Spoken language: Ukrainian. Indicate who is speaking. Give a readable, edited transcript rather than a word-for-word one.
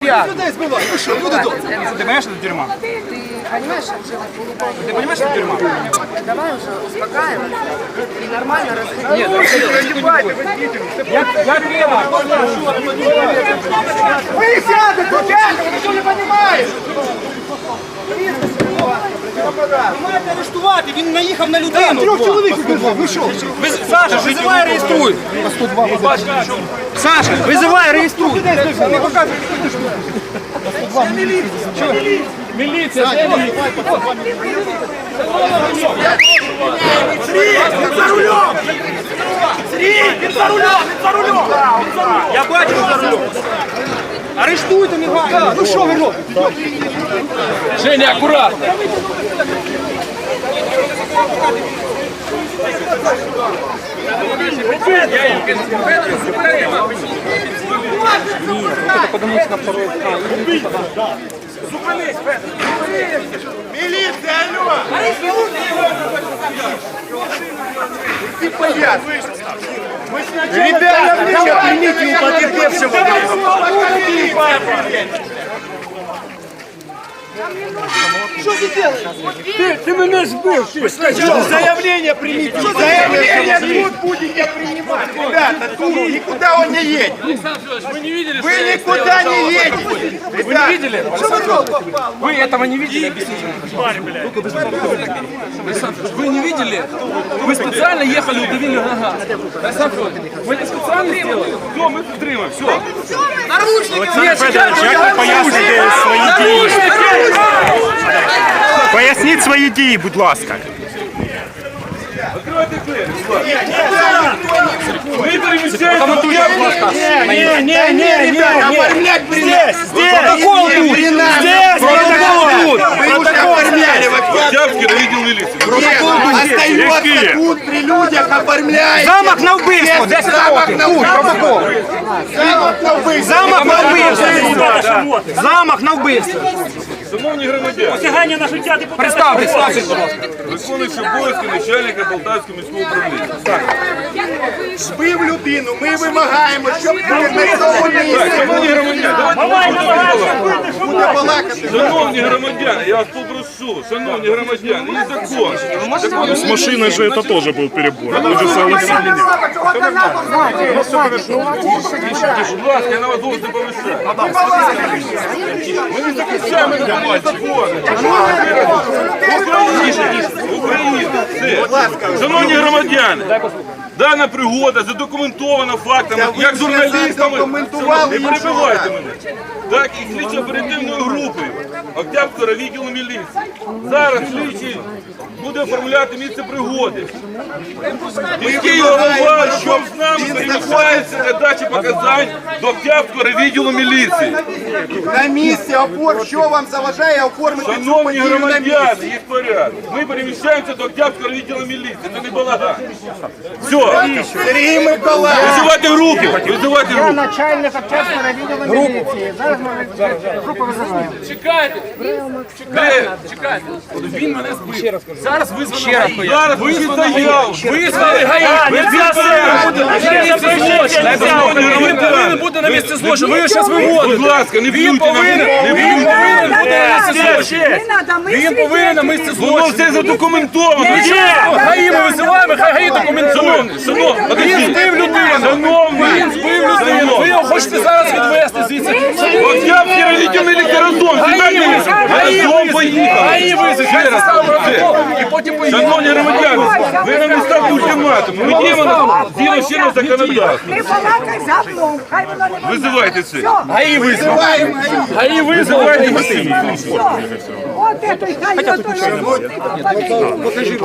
Speaker 1: п'ять.
Speaker 2: Людей збивають. Ви що, люди добрі?
Speaker 1: Ты понимаешь, что это тюрьма?
Speaker 3: Понимаешь, уже
Speaker 1: Ты понимаешь, что это тюрьма?
Speaker 3: давай уже успокаиваться и нормально расходиться.
Speaker 1: Нет, я первый.
Speaker 2: Ви сядете, чесно, ви що не розумієте?
Speaker 1: Маєте арештувати, він наїхав на людину.
Speaker 2: Трьох чоловік вбивав, ви що?
Speaker 1: Саша, визивай, реєструй. Саша, визивай, реєструй.
Speaker 2: Не показуйте,
Speaker 1: Міліція, де міліція?
Speaker 2: Він за рулем! Він за рулем!
Speaker 1: Я бачу за рулем. Арештуйте, негайно.
Speaker 2: Ну що ви робите?
Speaker 1: Женя, аккуратно.
Speaker 2: Міліція, алло! Ти пояс! Ребята, примите у потерпевшего! Что ты делаешь? Ты меня сбил! Заявление примите! Заявление тут будете принимать! Ребята, тут никуда он не едет!
Speaker 1: Вы не видели,
Speaker 2: Вы никуда не едете!
Speaker 1: Вы не видели? Вы этого не видели? Объясните. Александр, вы не видели? Вы специально ехали, удавили нога. Александр, вы это специально сделали? Все, мы підтримуємо, все. Наручники! Нет,
Speaker 4: Як ви поясните свої дії? Поясніть свої дії, будь ласка.
Speaker 1: Откройте двері, ви переміщаєте.
Speaker 2: Оформлять
Speaker 4: Здесь!
Speaker 2: протокол тут! Здесь! Протокол тут! Вы уже оформляли!
Speaker 5: Октябрьский відділ міліції.
Speaker 2: Остается тут при людях оформляете!
Speaker 1: Замах на вбивство, 10
Speaker 2: Замах
Speaker 1: років.
Speaker 2: на убийство! Замах на убийство!
Speaker 1: Замах на вбивство. Замах на вбивство.
Speaker 5: Шановні громадяни,
Speaker 6: Посягання на життя депутата.
Speaker 1: Представтесь, будь ласка.
Speaker 5: виконуючи обов'язки начальника Полтавського міського управління.
Speaker 2: Збив людину, ми вимагаємо, щоб ви на цьому місці
Speaker 5: Шановні громадяни,
Speaker 6: Давай,
Speaker 2: буде балакати.
Speaker 5: шановні громадяни, я вас попрошу, шановні громадяни, є закон.
Speaker 4: С машиной же это тоже был перебор. Вы же согласились.
Speaker 5: Будь ласка, я на вас голос не повищаю. Ми не захищаємо закон. Україна. Все. Шановні громадяни, дана пригода задокументована фактами, як журналістами.
Speaker 2: задокументували,
Speaker 5: Не перебивайте мене. Так і слідчо-оперативною групою Октябрьського відділу міліції. Зараз слідчий буде оформляти місце пригоди. Міський голова, що з нами переміщається для дачі показань до Октябрьського відділу міліції.
Speaker 2: На місці опор, що вам заважає оформити цю
Speaker 5: Шановні
Speaker 2: подію на
Speaker 5: громадяни,
Speaker 2: місці?
Speaker 5: є порядок. Ми переміщаємося до Октябрьського відділу міліції. Це не балаган. Все.
Speaker 2: Сергій Миколаївич!
Speaker 5: Визивайте руки. Визивайте руки.
Speaker 3: Начальник Октябрьського відділу міліції. Зараз ми групу визиваємо.
Speaker 1: Чекайте. Чекайте. Він мене збив. Зараз визвано ГАІ.
Speaker 5: Зараз ви стояв.
Speaker 1: Визвали ГАІ. Він повинен бути на місці злочину. Ви його зараз виводите.
Speaker 5: Будь ласка, не б'ють на мене. Не
Speaker 1: Він
Speaker 5: б'ють.
Speaker 1: повинен бути на місці злочину. Він повинен на місці
Speaker 5: Воно
Speaker 1: злочину.
Speaker 5: все задокументовано.
Speaker 1: ГАІ ми визиваємо, хай ГАІ документує. Він збив людину. Він збив людину. Ви його хочете зараз відвести звідси.
Speaker 5: Октябрьський відділ міліції разом. Разом поїхали.
Speaker 1: ГАІ визиває. І потім поїхали.
Speaker 5: Шановні громадяни, ви нам не ставте ультиматум. Ми діємо згідно чинного законодавства.
Speaker 7: Не балакай за мною, хай воно не
Speaker 5: Визивайте це.
Speaker 1: ГАІ визиває. ГАІ визиває.
Speaker 7: От это, хай ото